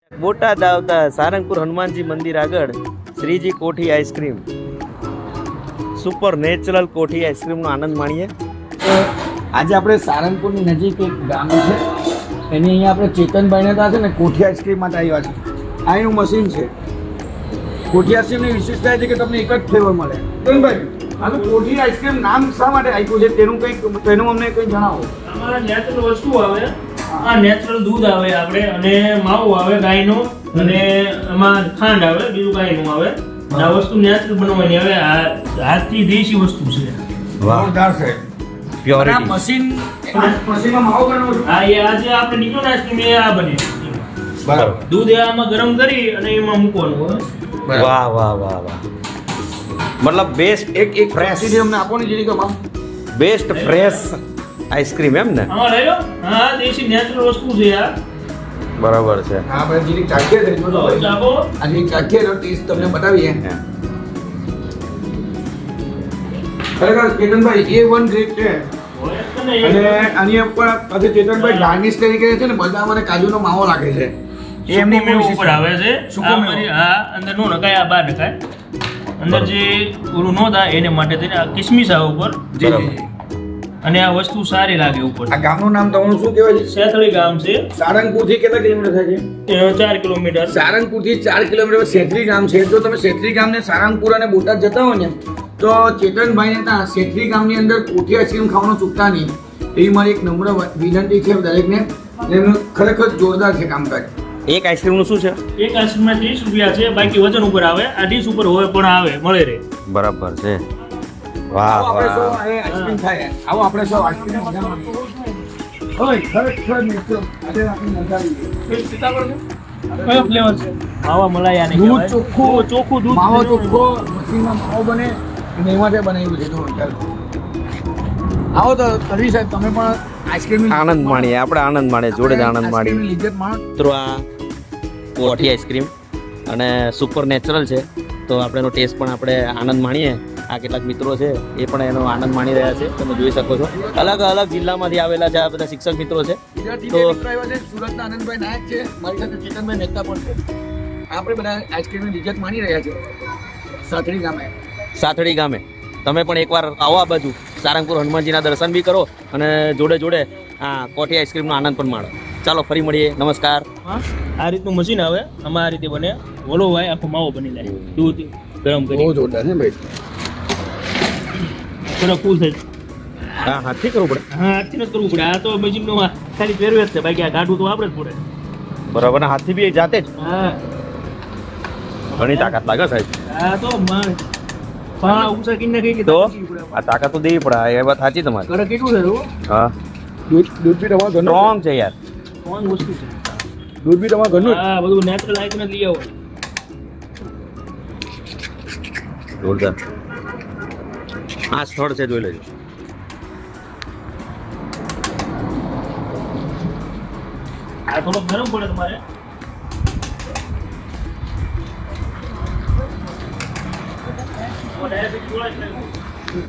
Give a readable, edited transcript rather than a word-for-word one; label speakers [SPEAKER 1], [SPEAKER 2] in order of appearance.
[SPEAKER 1] બોટાદ આવતા સારંગપુર હનુમાનજી મંદિર આગળ શ્રીજી કોઠી આઈસ્ક્રીમ, સુપર નેચરલ કોઠી આઈસ્ક્રીમનો આનંદ માણીએ.
[SPEAKER 2] આજે આપણે સારંગપુરની નજીક એક ગામ છે, એની અહીંયા આપણે ચેતનભાઈને ત્યાં છે ને કોઠી આઈસ્ક્રીમ માટે આવ્યા છે. આ એનું મશીન છે. કોઠી આઈસ્ક્રીમની વિશેષતા એ છે કે તમને એક જ ફ્લેવર મળે. ચેતનભાઈ, આ તો કોઠી આઈસ્ક્રીમ નામ શા માટે આપ્યું છે તેનું અમને કંઈ જણાવો.
[SPEAKER 3] અમારા નેચરલ વસ્તુ આવે, આ નેચરલ દૂધ આવે આપણે, અને માવો આવે ગાયનો, અને એમાં ખાંડ આવે, બીજું ગાયનું આવે. આ વસ્તુ નેચરલ બનાવવાની આવે. આ હાથથી દેશી વસ્તુ છે.
[SPEAKER 2] જોરદાર છે.
[SPEAKER 1] પ્યોરિટી.
[SPEAKER 2] મશીનમાં માવો બનાવો છો?
[SPEAKER 3] આ એ આજે આપણે નીકળો ને આઈસ્ક્રીમ એ આ બને.
[SPEAKER 2] બરાબર.
[SPEAKER 3] દૂધ એ આમાં ગરમ કરી અને એમાં મૂકવાનું હોય.
[SPEAKER 1] વાહ વાહ વાહ વાહ, મતલબ બેસ્ટ
[SPEAKER 2] એક ફ્રેશ અમને આપો ને જેની કમા.
[SPEAKER 1] બેસ્ટ ફ્રેશ આઈસ્ક્રીમ એમ ને?
[SPEAKER 3] આમાં લઈ લો. હા, દેશી નેચરલ વસ્તુ છે આ.
[SPEAKER 1] બરાબર છે.
[SPEAKER 2] હા, આપણે જેની ચાખીએ છે
[SPEAKER 3] ચાખો.
[SPEAKER 2] આજે ચાખીએ તો ટેસ્ટ તમને બતાવીએ. ખરેખર ચેતનભાઈ A1 ગ્રેડ છે. અને આની ઉપર આજે ચેતનભાઈ ગાર્નિશ તરીકે છે ને બદામ અને કાજુનો માવો લાગે છે. એ એમની
[SPEAKER 3] સૂકો મેવો ઉપર આવે છે.
[SPEAKER 2] સૂકો
[SPEAKER 3] આ
[SPEAKER 2] મેવો.
[SPEAKER 3] મારી આ અંદર નો નખાય, આ બહાર નખાય. અંદર જે ઓલું નો થાય એને માટે થઈને આ કિસમિસ આવે ઉપર.
[SPEAKER 2] જી જી.
[SPEAKER 3] અને આ વસ્તુ સારી લાગે ઉપર.
[SPEAKER 2] આ ગામનું નામ તમારું શું કહેવાય છે?
[SPEAKER 3] સેથળી ગામ છે.
[SPEAKER 2] સારંગપુરથી કેટલા કિલોમીટર થાય છે?
[SPEAKER 3] 4 કિલોમીટર.
[SPEAKER 2] સારંગપુરથી 4 કિલોમીટર શેત્રી ગામ છે. જો તમે શેત્રી ગામને સારંગપુર અને બોટાદ જતા હો ને તો ચેતનભાઈને ત્યાં શેત્રી ગામની અંદર કોઠી આઈસ્ક્રીમ ખાવાનું ચૂકતા નહીં. એવી મારી એક નમ્ર વિનંતી છે દરેકને. એમનું ખરેખર જોરદાર છે કામકાજ.
[SPEAKER 1] એક આઈસ્ક્રીમનું શું છે?
[SPEAKER 3] એક આઈસ્ક્રીમમાં 30 રૂપિયા છે, બાકી વજન ઉપર આવે. આ ડીશ ઉપર હોય પણ આવે, મળે રહે.
[SPEAKER 1] બરાબર છે. વાહ
[SPEAKER 2] આવો આપણે સૌ
[SPEAKER 1] વાહ.
[SPEAKER 2] અહીં આઈસ્ક્રીમ ખાઈએ. આવો આપણે સૌ આઈસ્ક્રીમ મજા માણીએ. ઓય ખરેખર મિત્રો આજે આપણી મજા આવી ગઈ.
[SPEAKER 3] કયો ફ્લેવર છે? માવા મલાઈ આને
[SPEAKER 2] દૂધ
[SPEAKER 3] કહેવાય.
[SPEAKER 2] ચોખ્ખું,
[SPEAKER 3] ચોખ્ખું દૂધ.
[SPEAKER 2] માવો ચોખ્ખો, મશીનમાં માવો બને અને એમાંથી બનાવ્યું છે. જો ચાલો આવો તો તરવી સાહેબ તમે પણ આઈસ્ક્રીમ
[SPEAKER 1] આનંદ માણીએ, આપણે આનંદ માણીએ, જોડે જ આનંદ માણીએ.
[SPEAKER 2] લિજ્જત માણો.
[SPEAKER 1] મિત્રો આ કોઠી આઈસ્ક્રીમ અને સુપર નેચરલ છે, તો આપણે એનો ટેસ્ટ પણ આપણે આનંદ માણીએ. આ કેટલાક મિત્રો છે એ પણ એનો આનંદ માણી રહ્યા છે, તમે જોઈ શકો છો. અલગ અલગ જિલ્લામાંથી આવેલા છે આ બધા શિક્ષક મિત્રો છે.
[SPEAKER 2] ગુજરાતી
[SPEAKER 1] તો-
[SPEAKER 2] બે મિત્રો આવ્યા છે. સુરતના આનંદભાઈ નાયક છે, મારી સાથે ચેતનભાઈ મહેતા પણ છે. આપણે બધા આઈસ્ક્રીમની લિજ્જત માણી રહ્યા છે સાતડી ગામે.
[SPEAKER 1] સાથડી ગામે તમે પણ એકવાર આવો આ બાજુ, સારંગપુર હનુમાનજીના દર્શન બી કરો અને જોડે જોડે આ કોઠી આઈસ્ક્રીમનો આનંદ પણ માણો. ચાલો ફરી મળીએ, નમસ્કાર.
[SPEAKER 3] હા, આ રીતનું મશીન આવે, આમાં આ રીતે બને. ઓલો હોય આખો માવો બની જાય. દૂધ ગરમ
[SPEAKER 2] બહુ
[SPEAKER 3] કરી
[SPEAKER 2] જોરદાર છે ભાઈ.
[SPEAKER 3] થોડો કુલ થાય.
[SPEAKER 1] હા હાથી કરવું પડે.
[SPEAKER 3] હા, આજથી નથી કરવું પડે. આ તો મશીનનો ખાલી પહેરવે જ છે, બાકી આ કાઢવું તો આપણે જ પડે.
[SPEAKER 1] બરાબર. ને હાથથી બી જાતે જ
[SPEAKER 3] હા,
[SPEAKER 1] ઘણી તાકાત લાગે સાહેબ.
[SPEAKER 3] આ તો ઉષા કિન્ને કઈ
[SPEAKER 1] તો આ તાકાત તો દેવી પડે, એ વાત સાચી તમારી.
[SPEAKER 3] કરે કેટલું છે તું?
[SPEAKER 1] હા,
[SPEAKER 2] દૂધ બી તમારા ઘરનું
[SPEAKER 1] સ્ટ્રોંગ છે યાર.
[SPEAKER 3] કોણ વસ્તુ છે?
[SPEAKER 2] દૂધ બી તમારા ઘરનું જ.
[SPEAKER 3] હા, બધું નેચરલ આઈટમ જ લઈ આવો.
[SPEAKER 1] જોરદાર. આ સ્થળ છે, જોઈ લેજો.
[SPEAKER 3] આ થોડો ગરમ પડે તમારે. ડાયાબિટીસ જોડાય છે.